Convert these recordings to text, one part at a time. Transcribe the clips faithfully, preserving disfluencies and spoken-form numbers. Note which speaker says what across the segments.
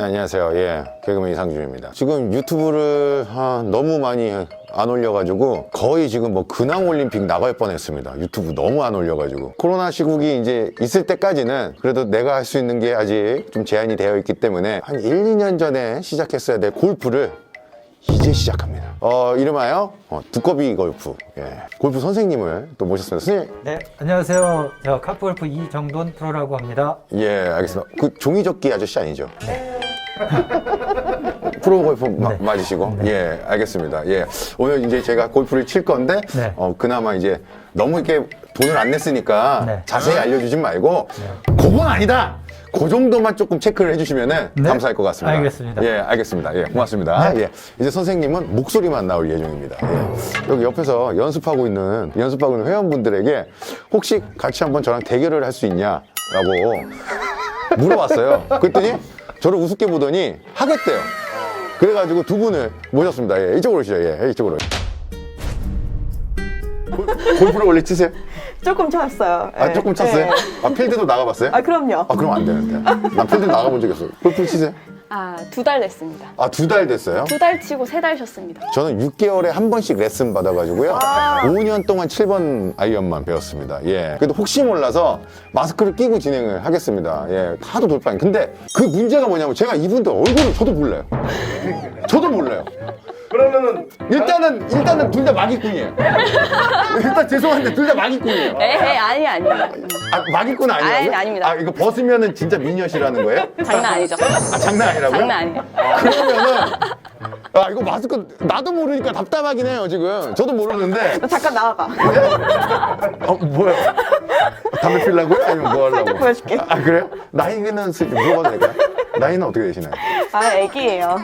Speaker 1: 안녕하세요. 예, 개그맨 이상준입니다. 지금 유튜브를 아, 너무 많이 안 올려가지고 거의 지금 뭐 근황 올림픽 나갈 뻔했습니다. 유튜브 너무 안 올려가지고 코로나 시국이 이제 있을 때까지는 그래도 내가 할 수 있는 게 아직 좀 제한이 되어 있기 때문에 한 일, 이 년 전에 시작했어야 될 골프를 이제 시작합니다. 어, 이름하여 어, 두꺼비 골프. 예. 골프 선생님을 또 모셨습니다. 선생님.
Speaker 2: 네, 안녕하세요. 저 카프골프 이정돈 프로라고 합니다.
Speaker 1: 예, 알겠습니다. 그 종이접기 아저씨 아니죠? 네. 프로 골프 마,
Speaker 2: 네.
Speaker 1: 맞으시고?
Speaker 2: 네.
Speaker 1: 예, 알겠습니다. 예. 오늘 이제 제가 골프를 칠 건데,
Speaker 2: 네.
Speaker 1: 어, 그나마 이제 너무 이렇게 돈을 안 냈으니까
Speaker 2: 네.
Speaker 1: 자세히 알려주진 말고, 그건 아니다! 그 정도만 조금 체크를 해주시면
Speaker 2: 네.
Speaker 1: 감사할 것 같습니다.
Speaker 2: 알겠습니다.
Speaker 1: 예, 알겠습니다. 예, 고맙습니다.
Speaker 2: 네.
Speaker 1: 예, 이제 선생님은 목소리만 나올 예정입니다. 예. 여기 옆에서 연습하고 있는, 연습하고 있는 회원분들에게 혹시 같이 한번 저랑 대결을 할 수 있냐라고 물어봤어요. 그랬더니 저를 우습게 보더니 하겠대요. 그래가지고 두 분을 모셨습니다. 예, 이쪽으로 오시죠. 예, 이쪽으로. 골, 골프를 원래 치세요?
Speaker 3: 조금 쳤어요.
Speaker 1: 아,
Speaker 3: 네.
Speaker 1: 조금 쳤어요?
Speaker 3: 네.
Speaker 1: 아, 필드도 나가봤어요?
Speaker 3: 아, 그럼요.
Speaker 1: 아, 그럼 안 되는데. 난 필드 나가본 적 없어요. 골프 치세요?
Speaker 4: 아, 두 달 됐습니다.
Speaker 1: 아, 두 달 됐어요?
Speaker 4: 두 달 치고 세 달 쉬었습니다.
Speaker 1: 저는 육 개월에 한 번씩 레슨 받아가지고요. 오 년 동안 칠 번 아이언만 배웠습니다. 예. 그래도 혹시 몰라서 마스크를 끼고 진행을 하겠습니다. 예. 하도 돌파인. 근데 그 문제가 뭐냐면 제가 이분들 얼굴을 저도 몰라요. 저도 몰라요.
Speaker 5: 그러면은
Speaker 1: 일단은, 일단은 둘 다 마기꾼이에요. 일단 죄송한데 둘 다 마기꾼이에요.
Speaker 4: 에헤, 아니, 아니.
Speaker 1: 아, 마기꾼 아니에요?
Speaker 4: 아니, 아닙니다.
Speaker 1: 아, 이거 벗으면은 진짜 미녀시라는 거예요?
Speaker 4: 장난 아니죠.
Speaker 1: 아, 장난 아니라고요?
Speaker 4: 장난 아니에요.
Speaker 1: 그러면은 아 이거 마스크 나도 모르니까 답답하긴 해요 지금. 저도 모르는데
Speaker 3: 잠깐 나와봐.
Speaker 1: 어 뭐야? 담배 피려고요? 아니면 뭐 하려고?
Speaker 3: 살짝 보여줄게.
Speaker 1: 아 그래요? 나이는 슬- 물어봐도 될까요? 나이는 어떻게 되시나요?
Speaker 3: 아, 애기예요.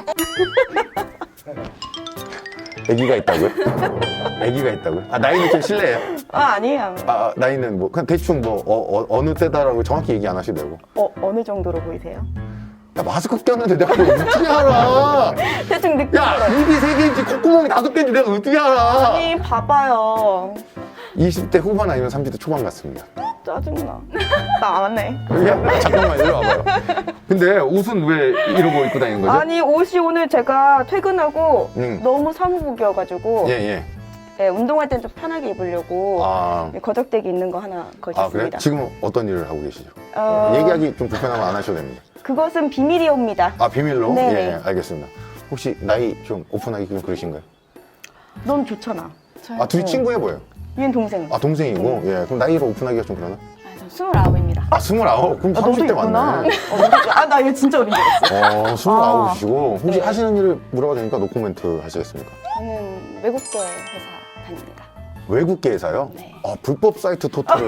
Speaker 1: 아기가 있다고요? 아기가 있다고요? 아 나이는 좀 실례해요.
Speaker 3: 아, 아니에요.
Speaker 1: 아 나이는 뭐 그냥 대충 뭐 어, 어, 어느 때다라고 정확히 얘기 안 하셔도 되고.
Speaker 3: 어, 어느 정도로 보이세요?
Speaker 1: 야 마스크 꼈는데 내가 그걸 어떻게 알아?
Speaker 3: 대충 느낌.
Speaker 1: 야 입이 세 개인지 콧구멍이 다섯 개인지 내가 어떻게 알아?
Speaker 3: 아니, 봐봐요.
Speaker 1: 이십 대 후반 아니면 삼십 대 초반 같습니다.
Speaker 3: 짜증나. 나 안 해.
Speaker 1: 야, 잠깐만 일로 와봐요. 근데 옷은 왜 이러고 입고 다니는 거죠?
Speaker 3: 아니, 옷이 오늘 제가 퇴근하고
Speaker 1: 음.
Speaker 3: 너무 사무복이어가지고
Speaker 1: 예, 예.
Speaker 3: 네, 운동할 땐 좀 편하게 입으려고
Speaker 1: 아,
Speaker 3: 거적대기 있는 거 하나
Speaker 1: 아 그래?
Speaker 3: 걸쳤습니다.
Speaker 1: 지금 어떤 일을 하고 계시죠?
Speaker 3: 어,
Speaker 1: 얘기하기 좀 불편하면 안 하셔도 됩니다.
Speaker 3: 그것은 비밀이옵니다.
Speaker 1: 아, 비밀로?
Speaker 3: 네네.
Speaker 1: 예, 알겠습니다. 혹시 나이 좀 오픈하기 좀 그러신가요?
Speaker 3: 넌 좋잖아.
Speaker 1: 아, 둘이 친구해 보여요.
Speaker 3: 얘는 동생.
Speaker 1: 아, 동생이고? 예, 그럼 나이로 오픈하기가 좀 그러나?
Speaker 4: 아, 전 스물아홉입니다.
Speaker 1: 아, 스물아홉? 그럼
Speaker 3: 아, 너도
Speaker 1: 삼십 대
Speaker 3: 있구나.
Speaker 1: 맞네.
Speaker 3: 어, 너도- 아, 나 얘 진짜 어린 줄 알았어.
Speaker 1: 어, 스물아홉이시고. 혹시
Speaker 3: 네.
Speaker 1: 하시는 일을 물어봐도 되니까 노코멘트 하시겠습니까?
Speaker 4: 저는 외국계 회사 다닙니다.
Speaker 1: 외국계 회사요?
Speaker 4: 네.
Speaker 1: 아, 불법 사이트 토탈을.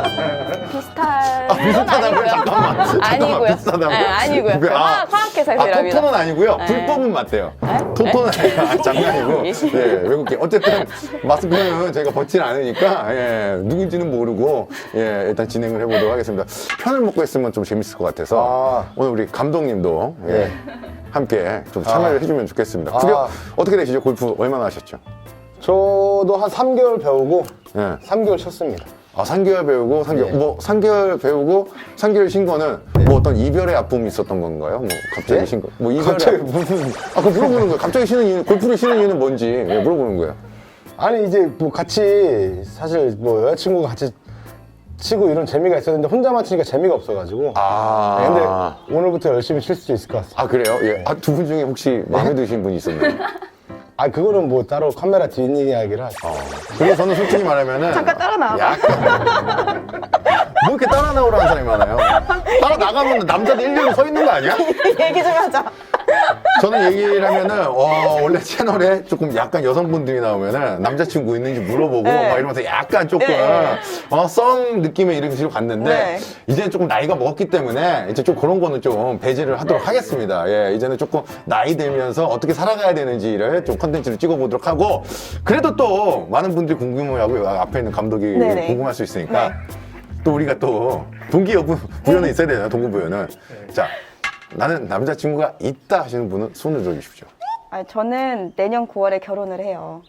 Speaker 4: 비슷한.
Speaker 1: 아, 비슷하다고요? 잠깐만. 잠깐만.
Speaker 4: 아니고요.
Speaker 1: 비슷하다고요?
Speaker 4: 네, 아니고요.
Speaker 1: 그- 아,
Speaker 4: 화학, 화학회사에서
Speaker 1: 아,
Speaker 4: 일합니다.
Speaker 1: 토토는 아니고요.
Speaker 4: 네.
Speaker 1: 불법은 맞대요.
Speaker 4: 네?
Speaker 1: 토토는 아니고, 아, 장난이고.
Speaker 4: 예.
Speaker 1: 예, 외국계. 어쨌든, 마스크는 저희가 벗진 않으니까, 예, 누군지는 모르고, 예, 일단 진행을 해보도록 하겠습니다. 편을 먹고 했으면 좀 재밌을 것 같아서, 오늘 우리 감독님도, 예, 함께 좀 참여를 해주면 좋겠습니다. 구력 어떻게 되시죠? 골프 얼마나 하셨죠?
Speaker 5: 저도 한 삼 개월 배우고
Speaker 1: 예.
Speaker 5: 삼 개월 쳤습니다.
Speaker 1: 아, 삼 개월 배우고, 삼 개월,
Speaker 5: 네.
Speaker 1: 뭐, 삼 개월 배우고, 삼 개월 쉰 거는, 뭐 어떤 이별의 아픔이 있었던 건가요? 뭐, 갑자기
Speaker 5: 네?
Speaker 1: 쉰 거. 뭐, 이별의
Speaker 5: 갑자기
Speaker 1: 아픔. 아, 그거 물어보는 거예요. 갑자기 쉬는 이유, 골프를 쉬는 이유는 뭔지, 예, 물어보는 거예요.
Speaker 5: 아니 이제 뭐 같이 사실 뭐 여자친구가 같이 치고 이런 재미가 있었는데 혼자만 치니까 재미가 없어가지고.
Speaker 1: 아.
Speaker 5: 네, 근데 오늘부터 열심히 칠 수 있을 것 같습니다.
Speaker 1: 아, 그래요? 예. 아, 두 분 중에 혹시 마음에 드신 분이 있었나요?
Speaker 5: 아 그거는 뭐 따로 카메라 뒷이야기를 하죠.
Speaker 1: 어. 그리고 저는 솔직히 말하면은.
Speaker 3: 잠깐 따라 나와봐.
Speaker 1: 약간. 뭐 이렇게 따라 나오라는 사람이 많아요? 따라 나가면 남자들 일렬로 서 있는 거 아니야?
Speaker 3: 얘기 좀 하자.
Speaker 1: 저는 얘기를 하면은, 어, 원래 채널에 조금 약간 여성분들이 나오면은 남자친구 있는지 물어보고,
Speaker 3: 네.
Speaker 1: 막 이러면서 약간 조금,
Speaker 3: 네.
Speaker 1: 어, 썸 느낌의 이런 식으로 갔는데,
Speaker 3: 네.
Speaker 1: 이제는 조금 나이가 먹었기 때문에, 이제 좀 그런 거는 좀 배제를 하도록 하겠습니다. 예, 이제는 조금 나이 들면서 어떻게 살아가야 되는지를 좀 컨텐츠를 찍어보도록 하고, 그래도 또 많은 분들이 궁금해하고, 앞에 있는 감독이
Speaker 3: 네네.
Speaker 1: 궁금할 수 있으니까, 또 우리가 또 동기여부 부여는 있어야 되잖아요, 동기부여는. 자, 나는 남자친구가 있다 하시는 분은 손을 들어주십시오.
Speaker 3: 아, 저는 내년 구월에 결혼을 해요.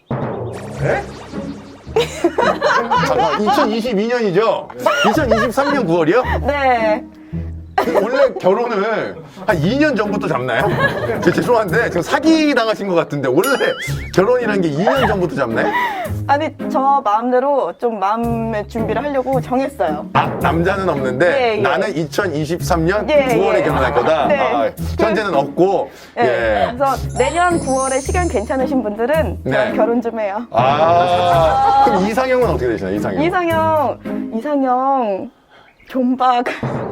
Speaker 1: 잠깐, 이천이십이 년이죠? 이천이십삼 년 구월이요?
Speaker 3: 네.
Speaker 1: 원래 결혼을 한 이 년 전부터 잡나요? 저 죄송한데 지금 사기 당하신 것 같은데 원래 결혼이란 게 이 년 전부터 잡나요?
Speaker 3: 아니 저 마음대로 좀 마음의 준비를 하려고 정했어요.
Speaker 1: 아 남자는 없는데
Speaker 3: 예, 예.
Speaker 1: 나는 이천이십삼 년
Speaker 3: 예,
Speaker 1: 구월에
Speaker 3: 예.
Speaker 1: 결혼할 거다.
Speaker 3: 네.
Speaker 1: 아, 현재는 없고.
Speaker 3: 예.
Speaker 1: 예.
Speaker 3: 그래서 내년 구월에 시간 괜찮으신 분들은 저랑
Speaker 1: 네.
Speaker 3: 결혼 좀 해요.
Speaker 1: 아 그럼 이상형은 어떻게 되시나요? 이상형.
Speaker 3: 이상형, 이상형 존박.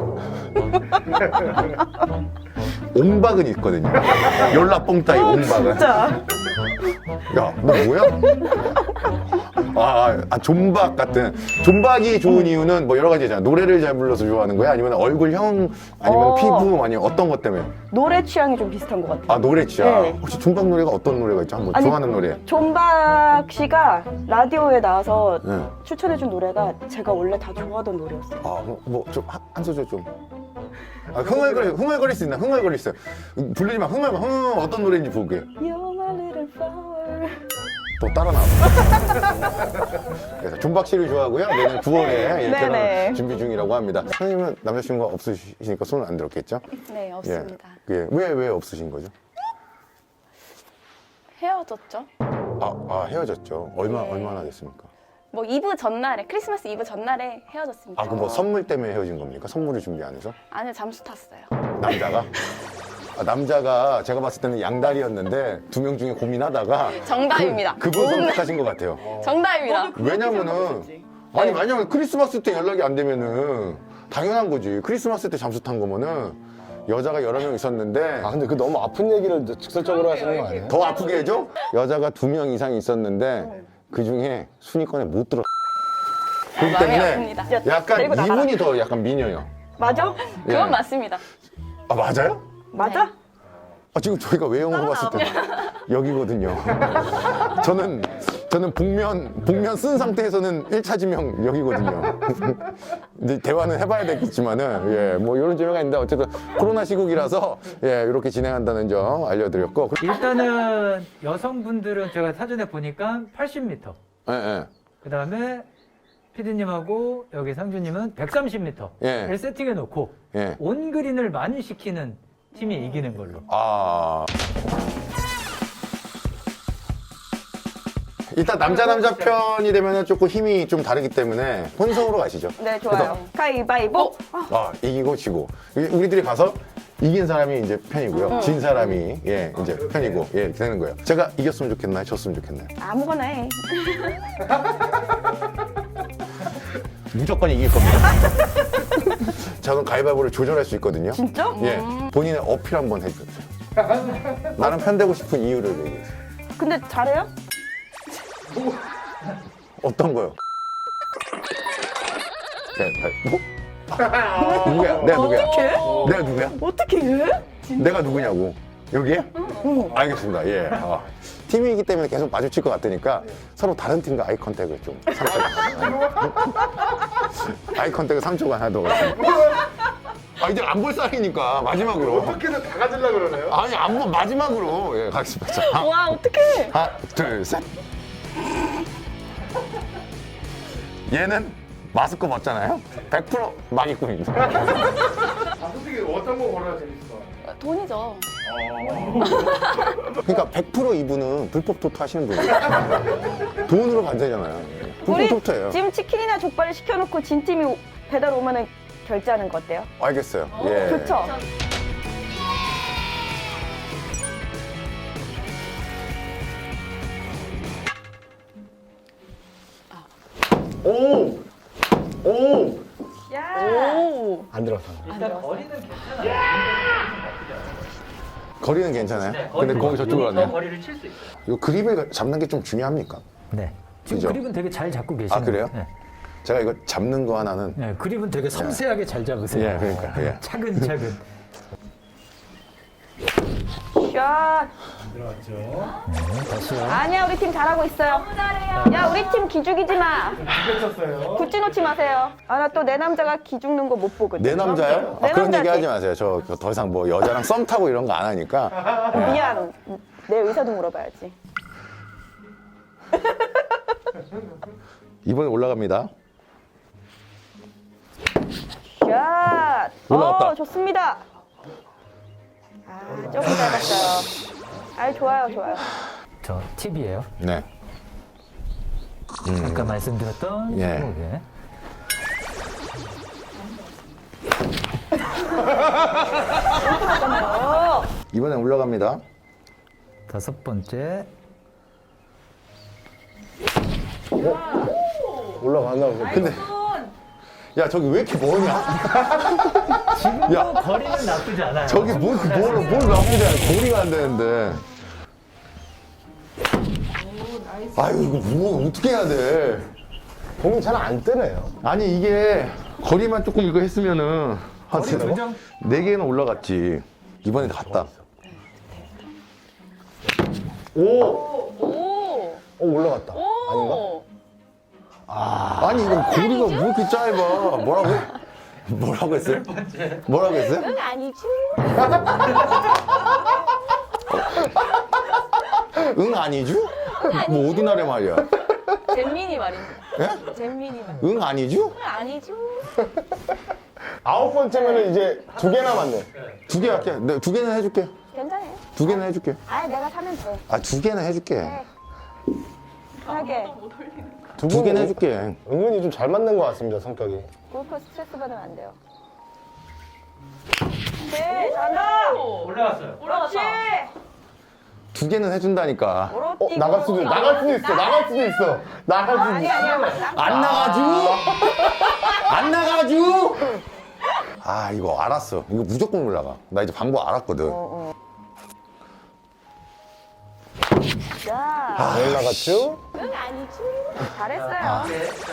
Speaker 1: 옹박은 있거든요. 연락봉 따위 옹박은.
Speaker 3: 어, 진짜.
Speaker 1: 야, 너 뭐야? 아, 아, 존박 같은. 존박이 좋은 이유는 뭐 여러 가지잖아. 노래를 잘 불러서 좋아하는 거야? 아니면 얼굴형? 아니면
Speaker 3: 어.
Speaker 1: 피부? 아니면 어떤 것 때문에?
Speaker 3: 노래 취향이 좀 비슷한 것 같아요.
Speaker 1: 아, 노래 취향.
Speaker 3: 네.
Speaker 1: 혹시 존박 노래가 어떤 노래가 있죠? 한번
Speaker 3: 아니,
Speaker 1: 좋아하는 노래.
Speaker 3: 존박 씨가 라디오에 나와서
Speaker 1: 네.
Speaker 3: 추천해준 노래가 제가 원래 다 좋아하던 노래였어요.
Speaker 1: 아, 뭐, 좀, 한, 한 소절 좀. 아, 흥얼거리, 흥얼거릴 수 있나? 흥얼거릴 수 있어요. 부르지 마. 흥얼, 흥, 어떤 노래인지 볼게요.
Speaker 3: You're my little flower.
Speaker 1: 또 따라 나와. 그래서 존박 씨를 좋아하고요. 내년 구월에 예,
Speaker 3: 네네.
Speaker 1: 결혼 준비 중이라고 합니다. 선생님은 남자친구가 없으시니까 손을 안 들었겠죠?
Speaker 4: 네, 없습니다.
Speaker 1: 예. 예. 왜, 왜 없으신 거죠?
Speaker 4: 헤어졌죠?
Speaker 1: 아, 아 헤어졌죠. 얼마,
Speaker 4: 네.
Speaker 1: 얼마나 됐습니까?
Speaker 4: 뭐 이브 전날에, 크리스마스 이브 전날에 헤어졌습니다.
Speaker 1: 아, 그 뭐 선물 때문에 헤어진 겁니까? 선물을 준비 안 해서?
Speaker 4: 안에 잠수 탔어요.
Speaker 1: 남자가? 아, 남자가 제가 봤을 때는 양다리였는데 두 명 중에 고민하다가
Speaker 4: 정답입니다.
Speaker 1: 그, 그분 선택하신 것 같아요.
Speaker 4: 정답입니다.
Speaker 1: 왜냐면은 아니 왜냐면 크리스마스 때 연락이 안 되면은 당연한 거지. 크리스마스 때 잠수 탄 거면은 여자가 여러 명 있었는데
Speaker 5: 아 근데 그 너무 아픈 얘기를 직설적으로 하시는 거 아니에요?
Speaker 1: 더 아프게 해줘? 여자가 두 명 이상 있었는데 그 중에 순위권에 못 들어. 그렇기
Speaker 4: 마음이
Speaker 1: 때문에
Speaker 4: 아픕니다.
Speaker 1: 약간
Speaker 3: 데리고 나가라.
Speaker 1: 이분이 더 약간 미녀요.
Speaker 3: 맞아?
Speaker 1: 예.
Speaker 4: 그건 맞습니다.
Speaker 1: 아 맞아요?
Speaker 3: 맞아?
Speaker 1: 아, 지금 저희가 외형으로 봤을 때 여기거든요. 저는 저는 복면 복면 쓴 상태에서는 일 차 지명 여기거든요. 이제 대화는 해봐야 되겠지만은 예, 뭐 이런 재미가 있는데 어쨌든 코로나 시국이라서 예, 이렇게 진행한다는 점 알려드렸고.
Speaker 2: 일단은 여성분들은 제가 사전에 보니까 팔십 미터.
Speaker 1: 예, 예.
Speaker 2: 그 다음에 피디님하고 여기 상주님은 백삼십 미터를
Speaker 1: 예.
Speaker 2: 세팅해 놓고
Speaker 1: 예.
Speaker 2: 온그린을 많이 시키는 팀이 이기는 걸로.
Speaker 1: 아. 일단 남자 남자 편이 되면 조금 힘이 좀 다르기 때문에 혼성으로 가시죠.
Speaker 3: 네, 좋아요. 가위바위보. 아,
Speaker 1: 아 이기고 지고 우리들이 가서 이긴 사람이 이제 편이고요. 진 사람이 예 이제 편이고 예 이렇게 되는 거예요. 제가 이겼으면 좋겠나요? 졌으면 좋겠나요?
Speaker 3: 아무거나 해.
Speaker 1: 무조건 이길 겁니다. 저는 가위바위보를 조절할 수 있거든요.
Speaker 3: 진짜?
Speaker 1: 예 본인의 어필 한번 해주세요. 나는 편되고 싶은 이유를 얘기해주세요.
Speaker 3: 근데 잘해요?
Speaker 1: 어떤 거요? 뭐? 누구야? 내가 누구야? 내가 누구야?
Speaker 3: 어떻게 해?
Speaker 1: 내가 누구냐고. 여기에? 알겠습니다. 예. 아, 팀이기 때문에 계속 마주칠 것 같으니까 서로 다른 팀과 아이 컨택을 좀 삼 초간. 아이 컨택을 삼 초간 하도록 하겠습니다. 아, 이제 안 볼 사이니까 마지막으로.
Speaker 5: 어떻게든 다 가지려고 그러네요.
Speaker 1: 아니, 안 볼, 마지막으로. 예, 가겠습니다. 자, 하나,
Speaker 3: 와, 어떡해.
Speaker 1: 하나, 둘, 셋. 얘는 마스크 벗잖아요? 백 퍼센트 마기꾼입니다.
Speaker 5: 아 솔직히 어떤 거 걸어야 재밌을까?
Speaker 4: 돈이죠.
Speaker 1: 그러니까 백 퍼센트 이분은 불법 토토 하시는 분이에요. 돈으로 반대잖아요. 불법
Speaker 3: 우리
Speaker 1: 토토예요.
Speaker 3: 지금 치킨이나 족발을 시켜놓고 진 팀이 오- 배달 오면은 결제하는 거 어때요?
Speaker 1: 알겠어요. 예.
Speaker 3: 좋죠?
Speaker 1: 오! 오!
Speaker 3: 야.
Speaker 4: 오.
Speaker 5: 안 들어서.
Speaker 2: 일단 거리는 괜찮아요.
Speaker 1: 거리는 괜찮아요?
Speaker 2: 네,
Speaker 1: 근데 거기 저쪽으로
Speaker 2: 더
Speaker 1: 가네요.
Speaker 2: 거리를 칠 수 있어요.
Speaker 1: 이 그립을 잡는 게 좀 중요합니까?
Speaker 2: 네. 지금
Speaker 1: 그죠?
Speaker 2: 그립은 되게 잘 잡고 계시는
Speaker 1: 아, 그래요?
Speaker 2: 거예요.
Speaker 1: 제가 이거 잡는 거 하나는
Speaker 2: 네. 네, 그립은 되게 섬세하게 잘 잡으세요.
Speaker 1: 예, 그러니까, 예.
Speaker 2: 차근차근.
Speaker 3: 샷.
Speaker 2: 네, 다시요.
Speaker 3: 아니야, 우리 팀 잘하고 있어요. 너무 잘해요. 야, 우리 팀 기죽이지 마.
Speaker 5: 쳤어요.
Speaker 3: 굳지 놓지 마세요. 아, 나 또 내 남자가 기죽는 거 못 보거든.
Speaker 1: 내 남자요? 아,
Speaker 3: 내
Speaker 1: 그런 얘기
Speaker 3: 남자지.
Speaker 1: 하지 마세요. 저 더 이상 뭐 여자랑 썸 타고 이런 거 안 하니까.
Speaker 3: 미안. 내 의사도 물어봐야지.
Speaker 1: 이번에 올라갑니다.
Speaker 3: 샷.
Speaker 5: 올라갔다.
Speaker 3: 어, 좋습니다. 아, 조금 짧았어요. 아, 좋아요, 좋아요.
Speaker 2: 저 팁이에요.
Speaker 1: 네.
Speaker 2: 아까 말씀드렸던
Speaker 1: 예.
Speaker 2: 스무고개.
Speaker 3: 어,
Speaker 1: 이번엔 올라갑니다.
Speaker 2: 다섯 번째.
Speaker 5: 올라갔나 보네.
Speaker 1: 근데 야 저기 왜 이렇게 머냐?
Speaker 2: 지금도
Speaker 1: 야.
Speaker 2: 거리는 나쁘지 않아요.
Speaker 1: 저기 뭘, 뭘, 뭘 나쁘지 않아. 거리가 안 되는데. 아유 이거 뭐 어떻게 해야 돼?
Speaker 5: 공이 잘 안 뜨네요.
Speaker 1: 아니 이게 거리만 조금 이거 했으면은 한
Speaker 2: 거리 조정.
Speaker 1: 네 개는 올라갔지. 이번에 갔다.
Speaker 5: 오!
Speaker 4: 오.
Speaker 5: 어, 올라갔다. 아닌가?
Speaker 4: 오.
Speaker 1: 아니 이거 거리가 왜 이렇게 짧아? 뭐라고? 뭐라고 했어요? 뭐라고 했어요?
Speaker 4: 응 아니지.
Speaker 1: 응 아니죠? 뭐 어디나라 말이야?
Speaker 4: 잼민이 말입니다.
Speaker 1: 예?
Speaker 4: 잼민이 말.
Speaker 1: 응 아니죠?
Speaker 4: 응 아니죠.
Speaker 5: 아홉 번째면은 이제 두 개 남았네.
Speaker 1: 두 개 할게. 네, 두 개는 해줄게.
Speaker 4: 괜찮아요.
Speaker 1: 두 개는 해줄게.
Speaker 4: 아 내가 사면 돼.
Speaker 1: 아 두 개는 해줄게.
Speaker 3: 편하게.
Speaker 5: 두,
Speaker 1: 두
Speaker 5: 분
Speaker 1: 개는
Speaker 5: 은-
Speaker 1: 해줄게.
Speaker 5: 은근히 좀 잘 맞는 것 같습니다, 성격이.
Speaker 3: 골프 스트레스 받으면 안 돼요. 네, 잘한다.
Speaker 2: 올라갔어요.
Speaker 3: 그렇지.
Speaker 1: 두 개는 해준다니까.
Speaker 5: 어, 나갈 수도, 나갈 수도 있어, 나갈 수도 있어. 나갈 수도
Speaker 3: 아니,
Speaker 5: 있어.
Speaker 3: 아니야.
Speaker 1: 안 나가죠? 안 나가죠? 아 이거 알았어. 이거 무조건 올라가. 나 이제 방법 알았거든.
Speaker 3: 자,
Speaker 5: 올라갔죠?
Speaker 4: 응 아니지.
Speaker 3: 잘했어요.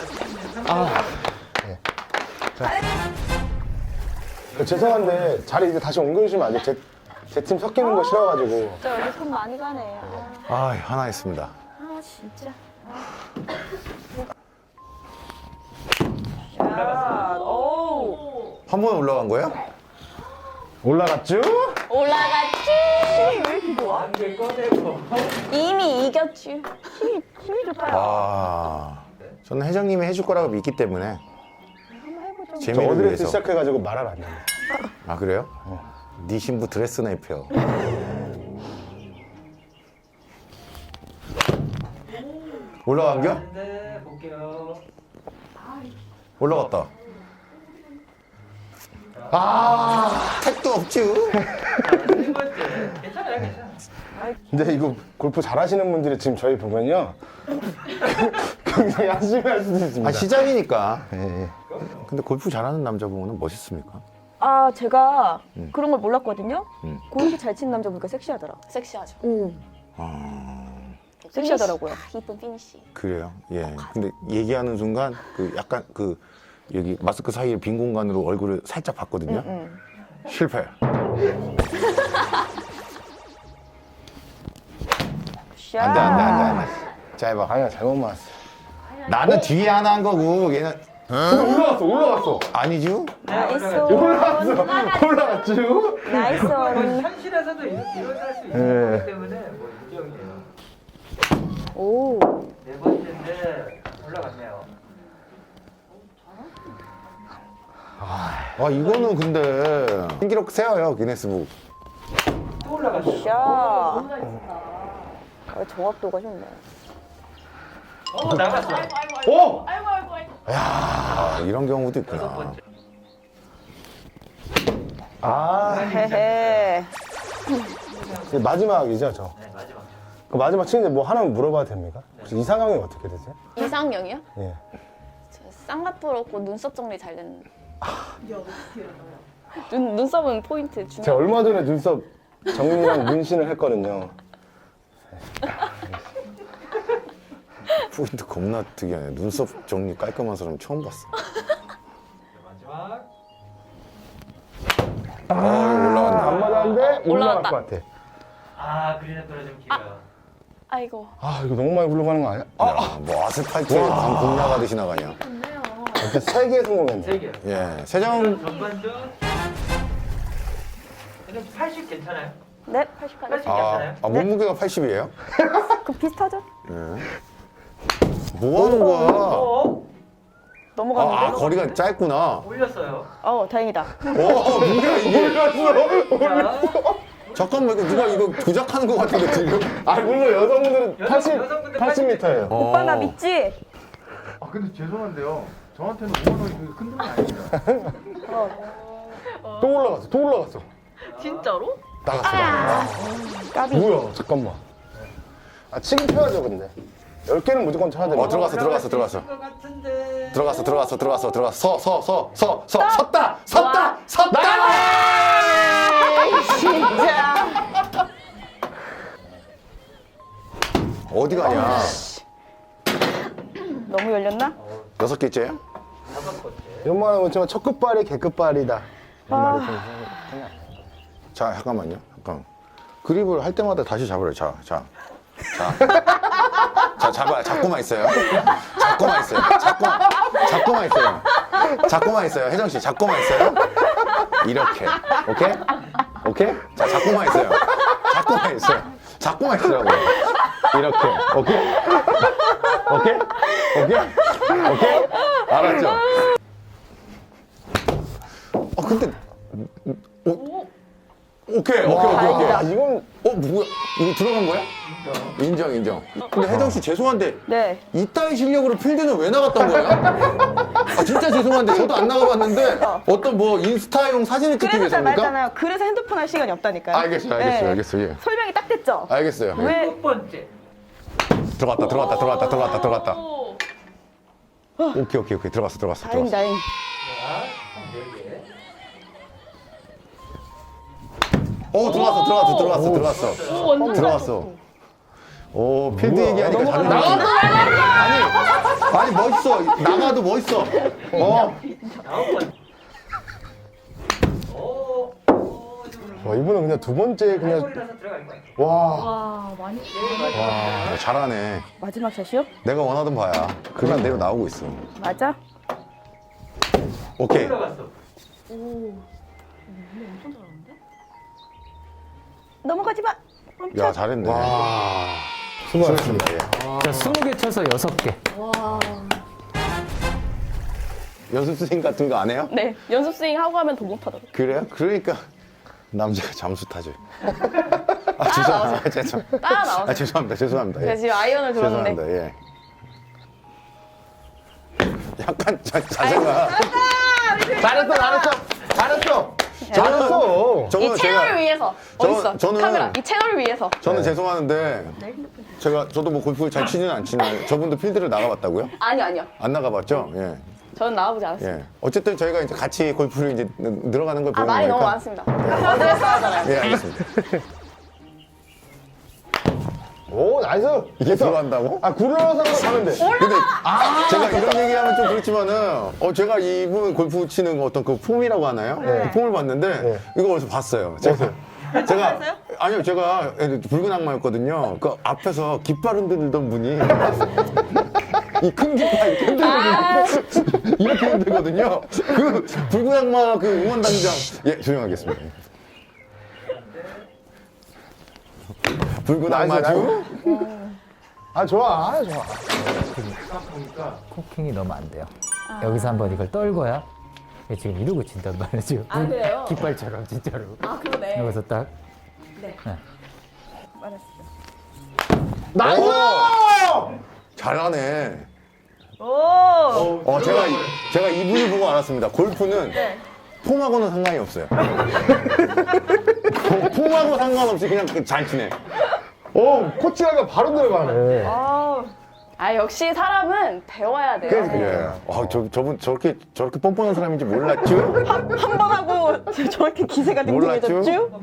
Speaker 5: 어, 죄송한데 자리 이제 다시 옮겨주시면 안 돼요? 제, 제 팀 섞이는 거 싫어가지고.
Speaker 3: 저 여기 손 많이 가네. 아,
Speaker 1: 아 하나 했습니다.
Speaker 3: 아, 진짜.
Speaker 2: 올라갔어요.
Speaker 3: 자, 오.
Speaker 1: 한 번에 올라간 거예요?
Speaker 5: 올라갔죠?
Speaker 4: 올라갔지.
Speaker 2: 한개 꺼내고.
Speaker 4: 이미 이겼지.
Speaker 3: 힘이 좋다.
Speaker 1: 아 저는 회장님이 해줄 거라고 믿기 때문에
Speaker 5: 저
Speaker 1: 재미를
Speaker 5: 어드레스
Speaker 1: 위해서.
Speaker 5: 시작해가지고 말을 안 해요.
Speaker 1: 아 그래요? 네 신부 드레스나 입혀. 올라간겨?
Speaker 2: 네, 볼게요.
Speaker 1: 올라갔다. 아 택도 없죠.
Speaker 2: 세 번째. 괜찮아요, 괜찮아요.
Speaker 5: 근데 이거 골프 잘하시는 분들이 지금 저희 보면요. 굉장히 열심히 할 수도 있습니다.
Speaker 1: 아 시장이니까.
Speaker 5: 예, 예.
Speaker 1: 근데 골프 잘하는 남자 보면 멋있습니까?
Speaker 3: 아, 제가 그런 걸 몰랐거든요.
Speaker 1: 음.
Speaker 3: 골프 잘 치는 남자 보니까 섹시하더라.
Speaker 4: 섹시하죠.
Speaker 3: 응. 섹시하더라고요.
Speaker 4: 피니시. 아, 이쁜 피니시.
Speaker 1: 그래요. 예. 근데 얘기하는 순간 그 약간 그 여기 마스크 사이에 빈 공간으로 얼굴을 살짝 봤거든요.
Speaker 3: 응.
Speaker 1: 실패.
Speaker 3: 샷.
Speaker 1: 안돼 안돼 안돼 안돼. 짧아.
Speaker 5: 아니야, 잘못 맞았어.
Speaker 1: 나는 뒤에 하나 한 거고 얘는
Speaker 5: 올라갔어, 올라갔어.
Speaker 1: 아니죠?
Speaker 3: 나이스.
Speaker 5: 올라갔어. 올라갔죠?
Speaker 3: 나이스.
Speaker 2: 거의 현실에서도 일- 일어날 수 있는 거기 때문에 뭐 인정이에요.
Speaker 3: 오.
Speaker 2: 네 번째인데 올라갔네요.
Speaker 1: 아 이거는 근데 신기록 세워요 기네스북.
Speaker 2: 또 올라갔어요.
Speaker 3: 샷. 아, 정확도가 좋네.
Speaker 2: 어, 나갔어요.
Speaker 5: 오!
Speaker 1: 아 이런 경우도
Speaker 2: 여섯
Speaker 1: 있구나.
Speaker 2: 번째.
Speaker 5: 아,
Speaker 3: 헤헤.
Speaker 5: 이제 마지막이죠, 저.
Speaker 2: 네, 마지막.
Speaker 5: 그 마지막 치는데 뭐 하나만 물어봐도 됩니까? 혹시 이상형이 어떻게 되세요?
Speaker 4: 이상형이요?
Speaker 5: 예.
Speaker 4: 저 쌍꺼풀 없고 눈썹 정리 잘 되는. 눈 눈썹은 포인트
Speaker 5: 제가
Speaker 4: 중요.
Speaker 5: 얼마 전에 눈썹 정리랑 문신을 했거든요.
Speaker 1: 포인트 겁나 특이하네. 눈썹 정리 깔끔한 사람 처음 봤어.
Speaker 2: 네, 마지막.
Speaker 1: 아 올라간다.
Speaker 5: 안 맞았는데 올라갈
Speaker 4: 올라갔다.
Speaker 5: 것 같아.
Speaker 2: 아, 그린에 떨어지면 길어요.
Speaker 4: 아이고.
Speaker 5: 아, 이거 너무 많이 굴러가는 거 아니야? 아,
Speaker 1: 야, 뭐 아스팔트에 방금 나가듯이 나가냐.
Speaker 5: 이렇게 세 개 성공했네.
Speaker 2: 세 개.
Speaker 1: 예, 세정
Speaker 2: 전반전. 근데 팔십 괜찮아요?
Speaker 3: 네.
Speaker 2: 팔십
Speaker 1: 아,
Speaker 2: 괜찮아요?
Speaker 1: 아 몸무게가 팔십이에요?
Speaker 3: 그 비슷하죠?
Speaker 1: 뭐 하는 거야?
Speaker 2: 어?
Speaker 3: 넘어가는데.
Speaker 1: 아, 아 거리가 짧구나.
Speaker 2: 올렸어요.
Speaker 3: 어, 다행이다.
Speaker 1: 어, 뭐야 이게?
Speaker 2: 자,
Speaker 1: 잠깐만 이거 누가 이거 조작하는 것 같은데 지금?
Speaker 5: 아 물론 여성분들은
Speaker 2: 여성-
Speaker 5: 팔십,
Speaker 2: 여성분들
Speaker 5: 팔십 미터예요.
Speaker 3: 오빠 나
Speaker 1: 어.
Speaker 3: 믿지?
Speaker 6: 아 근데 죄송한데요. 저한테는 오만 원이 그렇게 큰 돈이 아닙니다.
Speaker 5: 또 올라갔어, 또 올라갔어.
Speaker 3: 진짜로?
Speaker 5: 나갔어, 나갔어.
Speaker 3: 까비.
Speaker 5: 뭐야, 잠깐만. 아, 치기 필요하죠, 근데. 열 개는 무조건 쳐야 되는
Speaker 1: 어 들어갔어 들어갔어 들어갔어
Speaker 2: 것 같은데.
Speaker 1: 들어갔어 들어갔어 들어갔어 들어갔어 서 서 서 서 서 섰다 섰다 섰다.
Speaker 3: 진짜.
Speaker 1: 어디 가냐?
Speaker 3: 너무 열렸나?
Speaker 1: 여섯 개째야?
Speaker 2: 다섯 번째.
Speaker 5: 이런 말 하면 정말 첫 끝발이 개끝발이다. 이런 말이 좀.
Speaker 1: 자 잠깐만요. 잠깐. 그립을 할 때마다 다시 잡으래요. 자, 자, 자, 자 잡아요. 잡고만 있어요. 잡고만 있어요. 잡고, 잡고만 있어요. 잡고만 있어요. 혜정 씨, 잡고만 있어요. 이렇게, 오케이? 오케이? 자, 잡고만 있어요. 잡고만 있어요. 잡고만 있으라고요. 이렇게, 오케이? 오케이? 오케이? 오케이? 알았죠? 어, 근데, 어, 오케이, 오케이, 오케이, 오케이.
Speaker 5: 야, 이건
Speaker 1: 어 뭐야? 이거 들어간 거야? 인정 인정. 근데 혜정 씨 죄송한데
Speaker 3: 네.
Speaker 1: 이따위 실력으로 필드는 왜 나갔던 거예요? 아 진짜 죄송한데 저도 안 나가봤는데 어떤 뭐 인스타용 사진을 찍기
Speaker 3: 그래서 제가
Speaker 1: 위해서입니까?
Speaker 3: 말했잖아요. 그래서 핸드폰 할 시간이 없다니까요.
Speaker 1: 알겠어요, 알겠어요,
Speaker 3: 네.
Speaker 1: 알겠어요. 예.
Speaker 3: 설명이 딱 됐죠?
Speaker 1: 알겠어요. 예.
Speaker 3: 왜?
Speaker 2: 첫 번째.
Speaker 1: 들어갔다, 들어갔다, 들어갔다, 들어갔다, 들어갔다. 오케이, 오케이, 오케이. 들어갔어, 들어갔어,
Speaker 3: 다행,
Speaker 1: 들어갔어.
Speaker 3: 다행.
Speaker 2: 자, 네 개.
Speaker 1: 어 들어갔어, 들어갔어, 들어갔어, 들어갔어.
Speaker 4: 완전
Speaker 1: 들어갔어. 오 필드
Speaker 5: 뭐야,
Speaker 1: 얘기하니까
Speaker 5: 넘어가-
Speaker 1: 자존심. 아니, 아니 멋있어. 나가도 멋있어. 어.
Speaker 2: 아홉 번째. 오, 오, 이거는
Speaker 5: 와, 이분은 그냥 두 번째 그냥
Speaker 2: 골이라서 들어갈 거야.
Speaker 5: 와.
Speaker 4: 와 많이.
Speaker 1: 와, 잘하네.
Speaker 3: 마지막 샷이요?
Speaker 1: 내가 원하던 바야. 그냥 내로 나오고 있어.
Speaker 3: 맞아?
Speaker 1: 오케이.
Speaker 2: 들어갔어.
Speaker 3: 넘어가지 마.
Speaker 1: 야, 잘했네.
Speaker 5: 와. 수고하셨습니다.
Speaker 1: 예.
Speaker 2: 자, 스무 개 쳐서 여섯 개.
Speaker 1: 연습생 같은 거 안 해요?
Speaker 4: 네 연습 스윙 하고 하면 더 못하더라고.
Speaker 1: 그래요? 그러니까 남자가 잠수 타죠. 아, 죄송합니다. 아, 죄송.
Speaker 4: 따라 나와서.
Speaker 1: 아, 죄송합니다. 죄송합니다.
Speaker 4: 제가
Speaker 1: 예.
Speaker 4: 지금 아이언을 들었는데.
Speaker 1: 죄송합니다. 예. 약간 자, 자세가.
Speaker 5: 잘했어, 잘했어. 잘했어. 잘했어.
Speaker 1: 저는
Speaker 4: 이 채널을
Speaker 1: 제가
Speaker 4: 위해서
Speaker 1: 저-
Speaker 4: 어딨어?
Speaker 1: 저는-
Speaker 4: 카메라 이 채널을 위해서.
Speaker 1: 저는 죄송하는데 제가 저도 뭐 골프를 잘 치지는 않지만 저분도 필드를 나가봤다고요?
Speaker 4: 아니요 아니요.
Speaker 1: 안 나가봤죠? 예.
Speaker 4: 저는 나와보지 않았어요.
Speaker 1: 예. 어쨌든 저희가 이제 같이 골프를 이제 늘- 늘어가는 걸
Speaker 4: 아
Speaker 1: 보는
Speaker 4: 말이
Speaker 1: 거니까.
Speaker 4: 너무 많습니다. 어드레스 하잖아요.
Speaker 1: 예, 알겠습니다.
Speaker 5: 오, 나이스.
Speaker 1: 이게 들어간다고?
Speaker 5: 아, 굴러서 가면 돼.
Speaker 1: 근데 제가 이런 얘기하면 좀 그렇지만은 어 제가 이분 골프 치는 어떤 그 폼이라고 하나요?
Speaker 5: 네.
Speaker 1: 그 폼을 봤는데
Speaker 5: 네.
Speaker 1: 이거 어디서 봤어요. 제가 제가 아니요 제가 붉은 악마였거든요. 그 앞에서 깃발 흔들던 분이 이 큰 깃발 이렇게 흔들거든요. 이렇게 흔들거든요. 그 붉은 악마 그 응원단장 예 조용하겠습니다. 붉은
Speaker 5: 나이스,
Speaker 1: 악마주.
Speaker 5: 아, 좋아. 아, 좋아.
Speaker 2: 코킹이 너무 안 돼요. 여기서 한번 이걸 떨궈야 얘 지금 이러고 친단 말이죠.
Speaker 4: 아, 그래요?
Speaker 2: 깃발처럼 진짜로.
Speaker 4: 아 그러네.
Speaker 2: 여기서 딱.
Speaker 5: 나이스!
Speaker 1: 잘하네.
Speaker 3: 오.
Speaker 1: 어, 제가, 이- 제가 이분을 보고 알았습니다. 골프는 폼하고는 상관이 없어요. 폼하고 상관없이 그냥 잘 치네.
Speaker 5: 오, 코치가 바로 들어가네.
Speaker 3: 아,
Speaker 4: 아 역시 사람은 배워야 돼요.
Speaker 1: 예. 아, 저, 저분 저렇게, 저렇게 뻔뻔한 사람인지 몰랐죠?
Speaker 3: 한 번 하고 저렇게 기세가
Speaker 1: 몰랐죠?
Speaker 3: 댕댕해졌죠?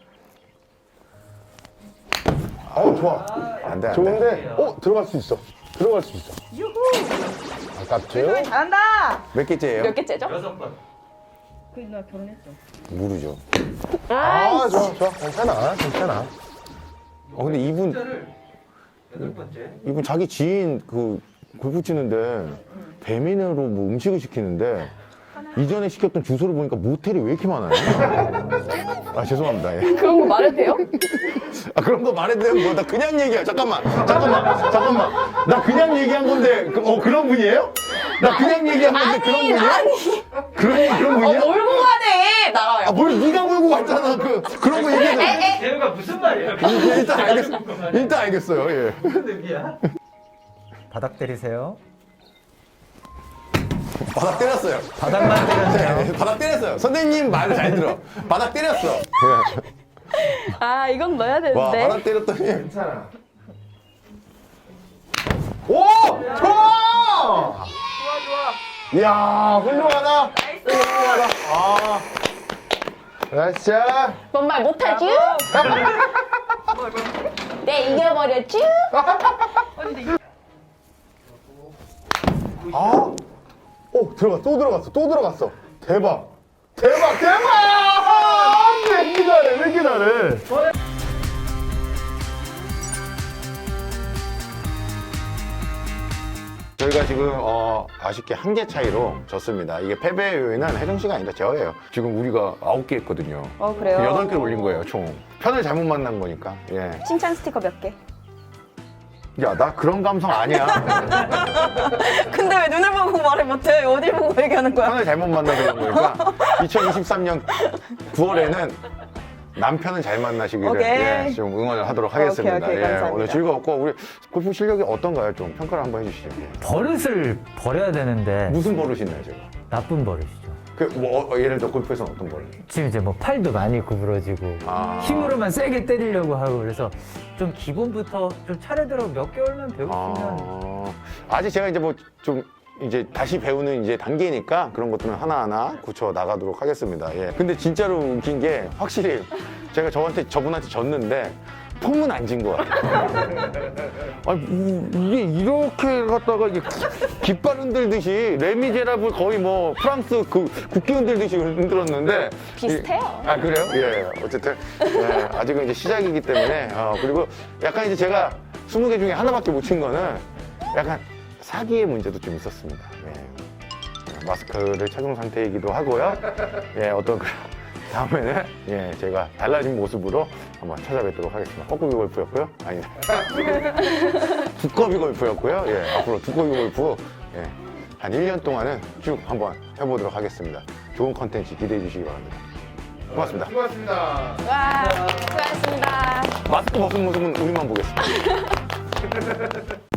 Speaker 5: 어, 좋아.
Speaker 1: 안 돼, 안 돼.
Speaker 5: 좋은데, 어, 들어갈 수 있어. 들어갈 수 있어.
Speaker 3: 유후.
Speaker 5: 아깝죠?
Speaker 3: 잘한다.
Speaker 1: 몇 개째예요?
Speaker 4: 몇 개째죠?
Speaker 2: 여섯 번.
Speaker 3: 그나 결혼했죠.
Speaker 1: 모르죠.
Speaker 5: 아, 좋아, 좋아. 괜찮아, 괜찮아.
Speaker 1: 어, 근데 이분,
Speaker 2: 숫자를 여덟 번째.
Speaker 1: 이분 자기 지인 그 골프 치는데 배민으로 뭐 음식을 시키는데 이전에 시켰던 주소를 보니까 모텔이 왜 이렇게 많아요? 아, 죄송합니다. 예.
Speaker 4: 그런 거 말해도 돼요?
Speaker 1: 아 그런 거 말해도 돼요? 뭐, 나 그냥 얘기해. 잠깐만, 잠깐만, 잠깐만. 나 그냥 얘기한 건데, 그, 어, 그런 분이에요? 나 그냥 얘기한 건데 그런 분이야? 그런 그런 분이야?
Speaker 3: 어, 몰고 가네. 나가요.
Speaker 1: 아, 뭘 네가 몰고 갔잖아. 그 그런 거 얘기해.
Speaker 2: 재우가 무슨 말이야?
Speaker 1: 일단 알겠어. 일단 알겠어요. 예.
Speaker 2: 무슨 의미야? 바닥 때리세요.
Speaker 1: 바닥 때렸어요.
Speaker 2: 바닥만 때렸네요.
Speaker 1: 네, 바닥 때렸어요. 선생님 말 잘 들어. 바닥 때렸어.
Speaker 4: 아, 이건 넣어야
Speaker 1: 와,
Speaker 4: 되는데.
Speaker 1: 바닥 때렸더니.
Speaker 6: 괜찮아.
Speaker 5: 오! 좋아! 이야, 훌륭하다. 훌륭하다. 아. 자,
Speaker 4: 뭔 말 못하지? 네, 이겨버렸지?
Speaker 5: 아. 오, 들어가, 또 들어갔어, 또 들어갔어. 대박. 대박, 대박! 왜 이렇게 잘해, 왜 이렇게 잘해?
Speaker 1: 저희가 지금 어, 아쉽게 한 개 차이로 졌습니다. 이게 패배의 요인은 혜정 씨가 아니라 저예요. 지금 우리가 아홉 개 했거든요.
Speaker 3: 어, 그래요?
Speaker 1: 여덟 개 올린 거예요, 총. 편을 잘못 만난 거니까. 예.
Speaker 3: 칭찬 스티커 몇 개?
Speaker 1: 야, 나 그런 감성 아니야.
Speaker 3: 근데 왜 눈을 보고 말을 못해? 어딜 보고 얘기하는 거야?
Speaker 1: 편을 잘못 만나서 그런 거니까 이천이십삼 년 구월에는 남편은 잘 만나시기를
Speaker 3: 오케이.
Speaker 1: 예, 좀 응원을 하도록 하겠습니다.
Speaker 3: 오케이, 오케이,
Speaker 1: 예,
Speaker 3: 감사합니다.
Speaker 1: 오늘 즐거웠고 우리 골프 실력이 어떤가요? 좀 평가를 한번 해주시죠. 예.
Speaker 2: 버릇을 버려야 되는데
Speaker 1: 무슨 버릇이 있나요, 지금?
Speaker 2: 나쁜 버릇이죠.
Speaker 1: 그, 뭐, 어, 예를 들어 골프에서는 어떤 버릇?
Speaker 2: 지금 이제 뭐 팔도 많이 구부러지고
Speaker 1: 아.
Speaker 2: 힘으로만 세게 때리려고 하고 그래서 좀 기본부터 좀 차례대로 몇 개월만 배우시면
Speaker 1: 아, 아직 제가 이제 뭐 좀 이제 다시 배우는 이제 단계니까 그런 것들은 하나하나 고쳐 나가도록 하겠습니다. 예. 근데 진짜로 웃긴 게 확실히 제가 저한테 저분한테 졌는데 폼은 안 진 것 같아요. 아니, 이- 이게 이렇게 갖다가 이게 깃발 흔들듯이 레미제라블 거의 뭐 프랑스 그 국기 흔들듯이 흔들었는데
Speaker 4: 비슷해요.
Speaker 1: 이- 아 그래요? 예. 어쨌든 예, 아직은 이제 시작이기 때문에 어, 그리고 약간 이제 제가 스무 개 중에 하나밖에 못 친 거는 약간 사기의 문제도 좀 있었습니다. 예. 마스크를 착용 상태이기도 하고요. 예, 어떤 그 다음에는 예, 제가 달라진 모습으로 한번 찾아뵙도록 하겠습니다. 뻐꾸기 골프였고요. 아니, 두꺼비 골프였고요. 예, 앞으로 두꺼비 골프 예, 한 일 년 동안은 쭉 한번 해보도록 하겠습니다. 좋은 컨텐츠 기대해 주시기 바랍니다. 고맙습니다.
Speaker 6: 수고하셨습니다.
Speaker 4: 와, 수고하셨습니다.
Speaker 1: 마스크 벗은 모습은 우리만 보겠습니다.